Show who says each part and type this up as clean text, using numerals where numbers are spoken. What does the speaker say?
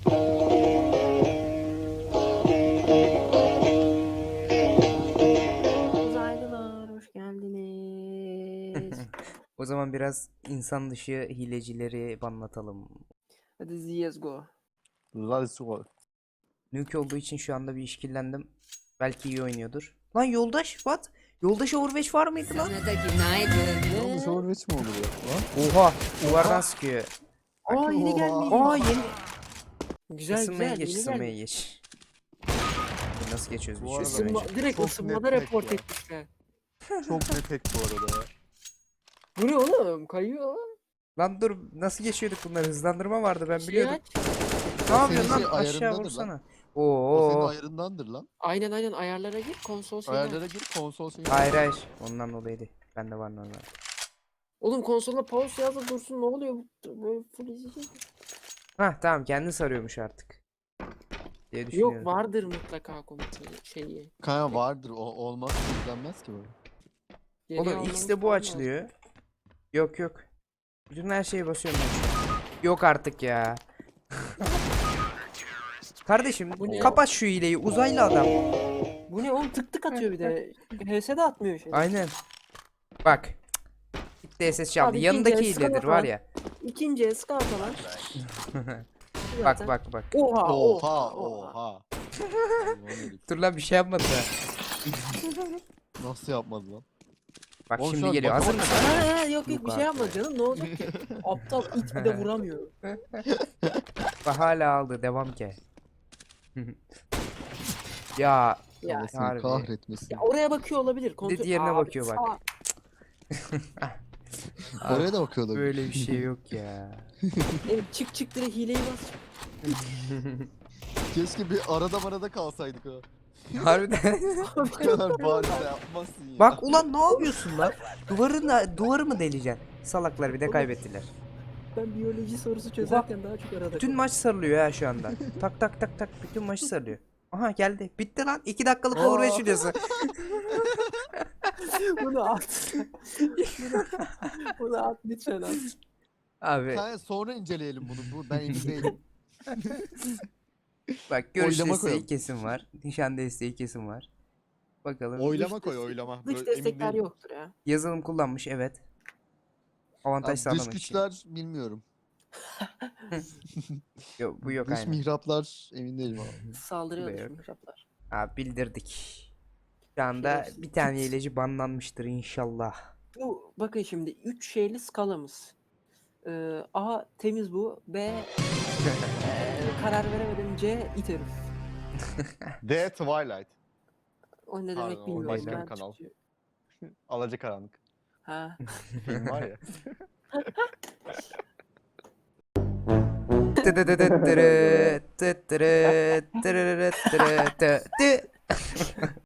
Speaker 1: Uzaylılar hoş geldiniz.
Speaker 2: O zaman biraz insan dışı hilecileri anlatalım.
Speaker 1: Hadi let's go.
Speaker 3: Let's go.
Speaker 2: Nuke olduğu için şu anda bir işkillendim. Belki iyi oynuyordur. Lan yoldaş what? Yoldaş Overwatch var mıydı lan?
Speaker 4: Sana da günaydın.
Speaker 3: Yalnız Overwatch mi olur ya? Lan?
Speaker 2: Oha duvardan sıkıyor.
Speaker 1: Aa yeni
Speaker 3: Oha.
Speaker 1: gelmiş.
Speaker 2: Aa yeni.
Speaker 1: Güzel
Speaker 2: Isınmaya
Speaker 1: güzel
Speaker 2: geç
Speaker 1: yeni
Speaker 2: ısınmaya
Speaker 1: gelmiş.
Speaker 2: geç. Nasıl geçiyoruz
Speaker 3: Bu
Speaker 2: bir şey
Speaker 3: arada
Speaker 2: ısınmaya
Speaker 1: Isınma,
Speaker 2: geç.
Speaker 1: direkt
Speaker 3: Çok
Speaker 1: ısınmada
Speaker 3: net
Speaker 1: report
Speaker 3: hack ya.
Speaker 1: etmişler.
Speaker 3: Çok net hack bu arada ya.
Speaker 1: Bu ne oğlum? Kayıyor.
Speaker 2: Lan dur nasıl geçiyorduk bunları hızlandırma vardı ben
Speaker 1: Şey
Speaker 2: biliyordum.
Speaker 1: aç.
Speaker 2: Ne yapıyorsun
Speaker 3: senin
Speaker 2: lan
Speaker 3: şey
Speaker 2: aşağı
Speaker 3: ayarındadır
Speaker 2: vursana.
Speaker 3: O senin
Speaker 2: Oo.
Speaker 3: ayarındandır lan.
Speaker 1: Aynen ayarlara gir konsol seni.
Speaker 3: Ayarlara gir konsol seni.
Speaker 2: Hayır hayır ondan dolayıydı. Bende var normal.
Speaker 1: Oğlum konsolda pause yazıp dursun ne oluyor? Böyle full izleyecek.
Speaker 2: Hah tamam kendi sarıyormuş artık. Diye düşünüyorum.
Speaker 1: Yok vardır mutlaka komutu şeyi.
Speaker 3: Kanka vardır o olmaz izlenmez ki böyle.
Speaker 1: Geriye
Speaker 2: Oğlum
Speaker 1: almamız
Speaker 2: X'de bu
Speaker 1: falan lazım.
Speaker 2: açılıyor. Yok yok. Bütün her şeye basıyorum ben şu an. Yok artık ya. Kardeşim
Speaker 1: Bu ne?
Speaker 2: kapat şu hileyi uzaylı adam.
Speaker 1: Bu ne oğlum tık tık atıyor bir de. HS de atmıyor şey.
Speaker 2: Aynen. Bak. Gitti SS çaldı.
Speaker 1: Abi,
Speaker 2: Yanındaki
Speaker 1: ikinci el
Speaker 2: hiledir
Speaker 1: sıkı
Speaker 2: var
Speaker 1: falan.
Speaker 2: ya.
Speaker 1: İkinci el scout alan.
Speaker 2: Bak bak bak.
Speaker 1: Oha
Speaker 3: Oha oha. Ulan herif.
Speaker 2: Dur lan bir şey yapmadı da.
Speaker 3: Nasıl yapmadı lan?
Speaker 2: Bak
Speaker 3: Oğlum şu
Speaker 2: şimdi
Speaker 3: an
Speaker 2: geliyor. Hazır
Speaker 3: bakamadım.
Speaker 2: mısın?
Speaker 1: Ha, yok
Speaker 2: Yok
Speaker 1: bir şey
Speaker 2: abi.
Speaker 1: yapma canım ne olacak ki? Aptal it bir de vuramıyor.
Speaker 2: Bak hala aldı. Devam ki. Ya
Speaker 1: Ya,
Speaker 3: Allah seni
Speaker 2: harbi.
Speaker 3: kahretmesin.
Speaker 1: ya oraya bakıyor olabilir. Kontrol...
Speaker 2: diğerine
Speaker 1: Abi,
Speaker 2: bakıyor bak.
Speaker 3: Oraya da bakıyorlar.
Speaker 2: Böyle bir şey yok ya.
Speaker 1: Evet, çık direkt hileyi bas.
Speaker 3: Keşke bir arada kalsaydık ha.
Speaker 2: Harbiden.
Speaker 3: Bu kadar bariz de yapmazsın ya.
Speaker 2: Bak ulan ne yapıyorsun lan? Duvarı mı deleceksin? Salaklar bir de
Speaker 1: Oğlum,
Speaker 2: kaybettiler.
Speaker 1: Ben biyoloji sorusu çözerken daha çok arada
Speaker 2: Bütün maç sarılıyor ya şu anda. Tak tak tak tak bütün maçı sarılıyor. Aha geldi. Bitti lan. 2 dakikalık Overwatch videosu.
Speaker 1: Bunu at. Bunu at lütfen at.
Speaker 2: Abi
Speaker 3: Kanka sonra inceleyelim bunu. Ben emin değilim.
Speaker 2: bak görüş
Speaker 3: Oylama
Speaker 2: desteği
Speaker 3: koyalım.
Speaker 2: kesin var. Nişan desteği kesin var. Bakalım.
Speaker 3: Oylama koy oylama.
Speaker 1: Dış
Speaker 3: Böyle emin
Speaker 1: destekler
Speaker 3: değilim.
Speaker 1: yoktur ya.
Speaker 2: Yazılım kullanmış evet. Avantaj
Speaker 3: Abi,
Speaker 2: sağlamak
Speaker 3: dış
Speaker 2: için.
Speaker 3: güçler bilmiyorum.
Speaker 2: Yok bu yok
Speaker 3: Dış
Speaker 2: aynen.
Speaker 3: mihraplar emin değilim abi.
Speaker 1: Saldırıyor
Speaker 2: Bu da
Speaker 1: dış
Speaker 2: yok.
Speaker 1: mihraplar.
Speaker 2: Abi bildirdik. Şu anda
Speaker 1: Şerefsiz.
Speaker 2: bir tane hileci banlanmıştır inşallah.
Speaker 1: Bu bakın şimdi 3 şeyli skalamız. A temiz bu. B karar veremedim. C it herif.
Speaker 3: The Twilight.
Speaker 1: O ne
Speaker 3: Pardon,
Speaker 1: demek
Speaker 3: o
Speaker 1: bilmiyorum.
Speaker 2: başka
Speaker 1: Ben
Speaker 3: bir kanal.
Speaker 1: Türkçe-
Speaker 3: Alacakaranlık.
Speaker 1: Ha.
Speaker 3: Film var ya.
Speaker 2: Tıdıdıdıttırı, tıttırı, tırırırıttırı, tı, tı.